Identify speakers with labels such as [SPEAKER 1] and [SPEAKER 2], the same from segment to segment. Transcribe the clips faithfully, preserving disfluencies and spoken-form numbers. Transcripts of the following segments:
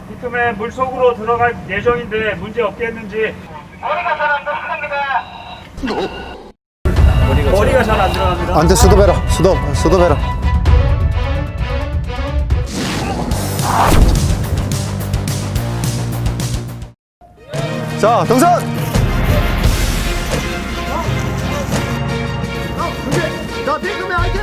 [SPEAKER 1] 피크맨 물속으로 들어갈 예정인데 문제 없겠는지.
[SPEAKER 2] 머리가 잘 안 들어갑니다.
[SPEAKER 1] 머리가 잘 안 들어갑니다.
[SPEAKER 3] 안돼 수도배라 수도 수도배라. 자 등산. 자 피크맨 화이팅.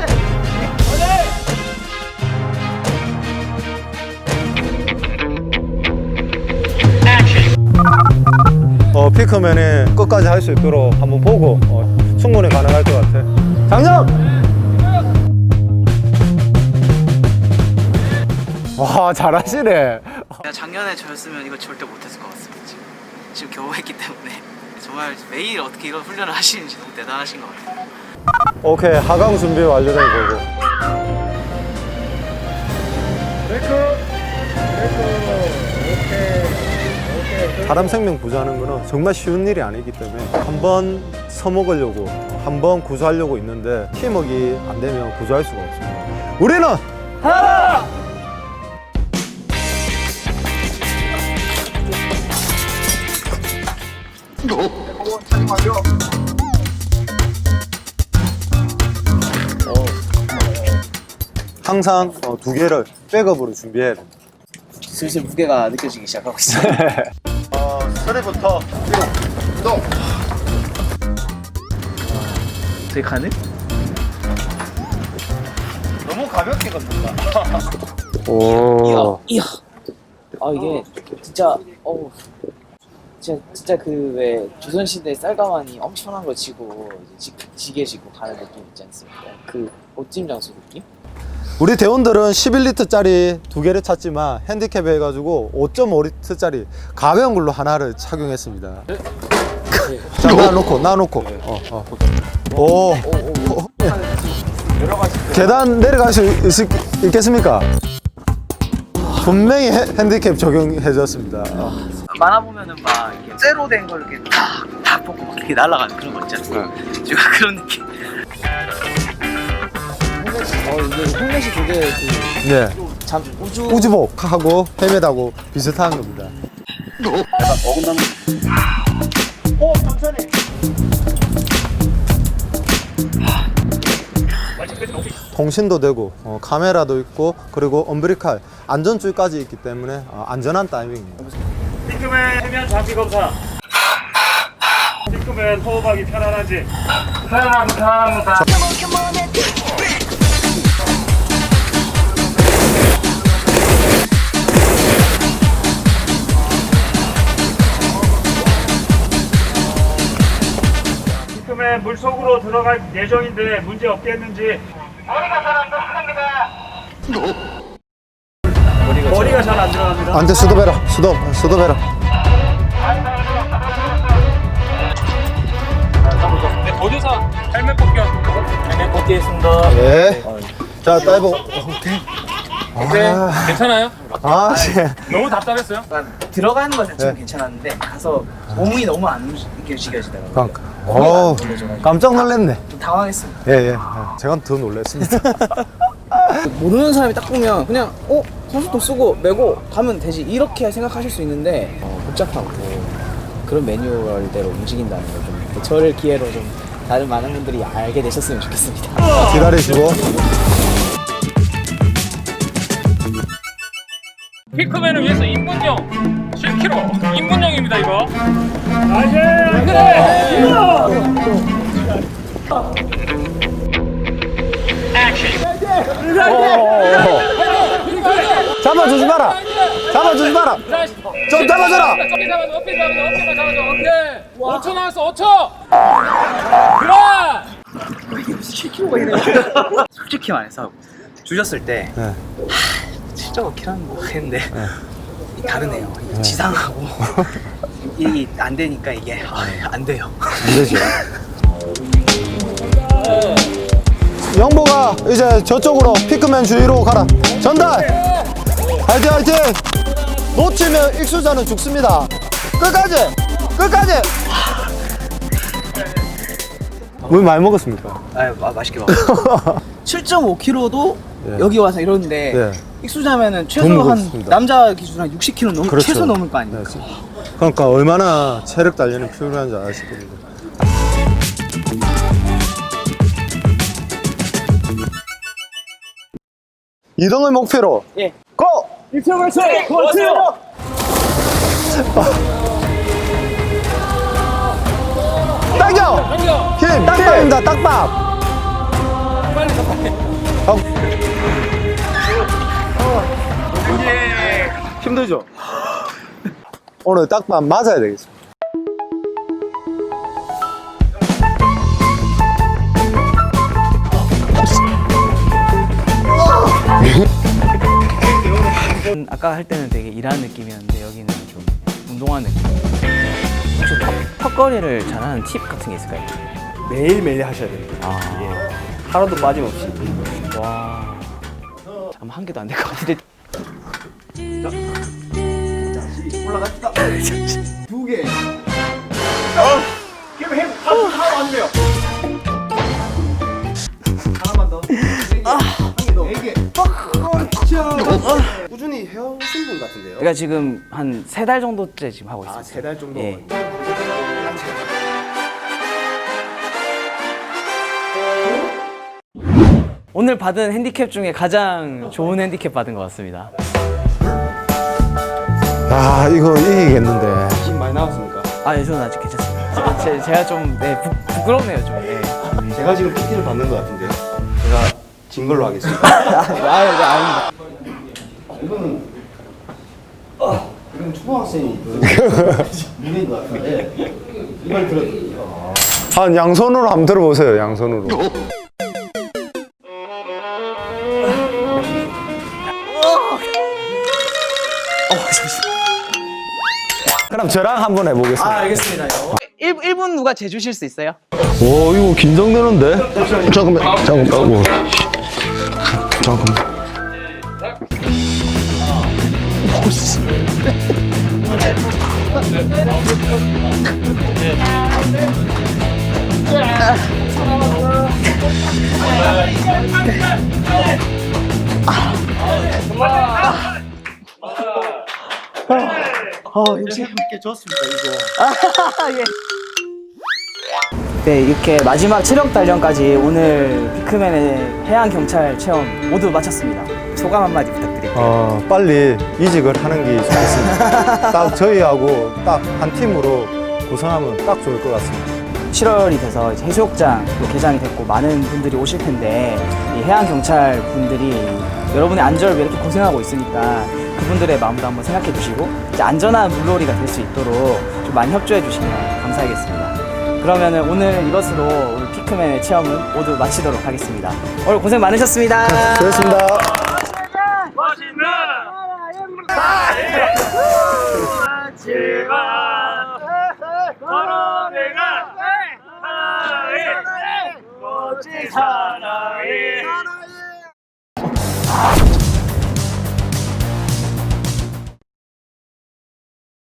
[SPEAKER 3] 어, 피크맨이 끝까지 할 수 있도록 한번 보고 어, 충분히 가능할 것 같아. 장력! 와 잘하시네.
[SPEAKER 4] 내가 작년에 저였으면 이거 절대 못했을 것 같습니다. 지금 지금 겨우 했기 때문에 정말 매일 어떻게 이런 훈련을 하시는지 너무 대단하신 것 같아요.
[SPEAKER 3] 오케이 하강 준비 완료된 거고. 사람 생명 구조하는 거는 정말 쉬운 일이 아니기 때문에 한 번 서먹으려고 한 번 구조하려고 있는데 팀워크가 안 되면 구조할 수가 없습니다. 우리는 하나! 항상 어, 두 개를 백업으로 준비해야 됩니다.
[SPEAKER 4] 슬슬 무게가 느껴지기 시작하고 있어요.
[SPEAKER 3] 어, 서리부터 또
[SPEAKER 4] 되게 가능?
[SPEAKER 3] 너무 가볍게 걷는다.
[SPEAKER 4] 이야,
[SPEAKER 3] 오.
[SPEAKER 4] 이야. 아 이게 진짜 어우 진짜 진짜 그 왜 조선시대 쌀가마니 엄청난 거 지고 이제 지, 지게 지고 가는 느낌 있지 않습니까? 그 옷짐 장수 느낌?
[SPEAKER 3] 우리 대원들은 십일 리터짜리 두 개를 찼지만 핸디캡 해가지고 오 점 오 리터짜리 가벼운 걸로 하나를 착용했습니다. 자, 놔놓고, 놔놓고. 어, 어. 오. 오. 계단 내려갈 수 있, 있겠습니까? 분명히 핸- 핸디캡 적용해줬습니다. 어.
[SPEAKER 4] 만화 보면은 막 이렇게 쇠로 된 걸 이렇게 탁탁 뽑고 막 이렇게 날아가는 그런 거 있지 않습니까? 제가 그런 느낌. 어 이게 헬멧이 되게 그
[SPEAKER 3] 네.
[SPEAKER 4] 잠, 우주
[SPEAKER 3] 우주복하고 헬멧하고 비슷한 겁니다.
[SPEAKER 1] 오, 천천히.
[SPEAKER 3] 통신도 되고 어, 카메라도 있고 그리고 엄브리칼 안전줄까지 있기 때문에 어, 안전한 타이밍입니다.
[SPEAKER 1] 피크맨 해면 장비 검사. 피크맨 호흡하기 편안한지. 편안합니다. 편안합니다. 피크맨 물속으로 들어갈 예정인데 문제 없겠는지.
[SPEAKER 2] 머리가 잘 안 들어갑니다.
[SPEAKER 1] 머리가 잘 안 들어갑니다.
[SPEAKER 3] 안돼 수도배라 수도 수도배라.
[SPEAKER 5] 네, 보조사 헬멧 벗겨. 헬멧 벗기겠습니다.
[SPEAKER 3] 예. 자 다이버.
[SPEAKER 5] 오케이.
[SPEAKER 3] 아,
[SPEAKER 5] 괜찮아요?
[SPEAKER 3] 아, 예.
[SPEAKER 5] 너무 답답했어요?
[SPEAKER 4] 들어가는 건 자체는
[SPEAKER 3] 네.
[SPEAKER 4] 괜찮았는데 가서 몸이 너무 안 움직여지더라고요.
[SPEAKER 3] 그러니까. 오, 깜짝 놀랐네.
[SPEAKER 4] 좀 당황했습니다.
[SPEAKER 3] 예, 예. 제가 더 놀랐습니다.
[SPEAKER 4] 모르는 사람이 딱 보면 그냥 어? 선수통 쓰고 메고 가면 되지 이렇게 생각하실 수 있는데 어, 복잡하고 그런 매뉴얼대로 움직인다는 걸좀 저를 기회로 좀 다른 많은 분들이 알게 되셨으면 좋겠습니다.
[SPEAKER 3] 기다리시고.
[SPEAKER 5] 피크맨을 위해서 입문용 십 킬로그램 입문용입니다 이거.
[SPEAKER 3] 잡아주지 마라. 잡아주지 마라. 좀 잡아줘라.
[SPEAKER 5] 어깨 잡아줘, 어깨 잡아줘, 어깨만 잡아줘. 오케이. 오 초 나왔어, 오 초. 그만.
[SPEAKER 4] 칠 킬로그램이네. 솔직히 말해서 주셨을 때
[SPEAKER 3] 네.
[SPEAKER 4] 칠 점 오 킬로그램 뭐 했는데 다르네요. 이게 지상하고 이게 안 되니까 이게 아, 안 돼요.
[SPEAKER 3] 안 되죠. 영보가 이제 저쪽으로 피크맨 주위로 가라. 전달. 화이팅 화이팅. 놓치면 익수자는 죽습니다. 끝까지 끝까지. 물 많이 먹었습니까?
[SPEAKER 4] 아, 마, 맛있게 먹었어요. 칠 점 오 킬로그램도
[SPEAKER 3] 예.
[SPEAKER 4] 여기 와서 이러는데
[SPEAKER 3] 예.
[SPEAKER 4] 익수자면은 최소
[SPEAKER 3] 더
[SPEAKER 4] 한
[SPEAKER 3] 무겁습니다.
[SPEAKER 4] 남자 기준 한 육십 킬로그램 넘
[SPEAKER 3] 그렇죠.
[SPEAKER 4] 최소 넘을 거 아닙니까?
[SPEAKER 3] 네, 그러니까 얼마나 체력 단련이 필요한지 아실 겁니다. 이동을 목표로
[SPEAKER 4] 예.
[SPEAKER 3] 고!
[SPEAKER 1] 일평에서 고하세요.
[SPEAKER 3] 당겨!
[SPEAKER 5] 당겨.
[SPEAKER 3] 힘! 딱밥입니다, 딱밥!
[SPEAKER 5] 빨리 가 빨리.
[SPEAKER 3] 힘들죠? 오늘 딱밥 맞아야 되겠습니다.
[SPEAKER 4] 음, 아까 할 때는 되게 일하는 느낌이었는데 여기는 좀 운동하는 느낌. 혹시 턱- 턱걸이를 잘하는 팁 같은 게 있을까요?
[SPEAKER 6] 매일매일 하셔야 됩니다.
[SPEAKER 4] 아,
[SPEAKER 6] 예. 하루도 빠짐없이.
[SPEAKER 4] 와, 잠깐 한 개도 안 될 것 같은데.
[SPEAKER 6] 올라갑시다. 두 개.
[SPEAKER 1] 그럼 해 하나 안 돼요.
[SPEAKER 6] 하나만 더. 한 개 더. 네 개. 꾸준히 해오신 분 같은데요?
[SPEAKER 4] 제가 지금 한 세 달 정도째 지금 하고 있습니다.
[SPEAKER 6] 아, 세 달 정도.
[SPEAKER 4] 예. 오늘 받은 핸디캡 중에 가장 좋은 핸디캡 받은 것 같습니다.
[SPEAKER 3] 아, 이거 이기겠는데.
[SPEAKER 6] 힘 많이 나왔습니까?
[SPEAKER 4] 아, 예, 저는 아직 괜찮습니다. 제, 제가 좀 네, 부, 부끄럽네요, 좀. 예.
[SPEAKER 6] 제가 지금 피티를 받는 것 같은데 제가 진 걸로 하겠습니다.
[SPEAKER 4] 아유, 네, 아닙니다.
[SPEAKER 6] 이거는 아, 이건 초등학생이 무게인 것 같은데 이걸 들어.
[SPEAKER 3] 한 양손으로 한번 들어보세요, 양손으로. 그럼 저랑 한번 해보겠습니다.
[SPEAKER 4] 아, 알겠습니다. 일, 일 분 누가 재주실 수 있어요?
[SPEAKER 3] 오, 이거 긴장되는데? 잠깐만, 잠깐만, 뭐. 잠깐만.
[SPEAKER 6] 재밌게 줬습니다 이거.
[SPEAKER 4] 네, 이렇게 마지막 체력 단련까지 오늘 피크맨의 해양 경찰 체험 모두 마쳤습니다. 소감 한마디 부탁드릴게요.
[SPEAKER 3] 어, 빨리 이직을 하는 게 좋겠습니다. 딱 저희하고 딱 한 팀으로 구성하면 딱 좋을 것 같습니다.
[SPEAKER 4] 칠월이 돼서 이제 해수욕장 또 개장이 됐고 많은 분들이 오실 텐데 이 해양 경찰 분들이 여러분의 안전을 위해 이렇게 고생하고 있으니까 그분들의 마음도 한번 생각해 주시고 이제 안전한 물놀이가 될 수 있도록 좀 많이 협조해 주시면 감사하겠습니다. 그러면은 오늘 이것으로 우리 피크맨의 체험은 모두 마치도록 하겠습니다. 오늘 고생 많으셨습니다.
[SPEAKER 3] 수고했습니다.
[SPEAKER 1] 멋있는 하지마 걸어내가 하나의 멋진 사나이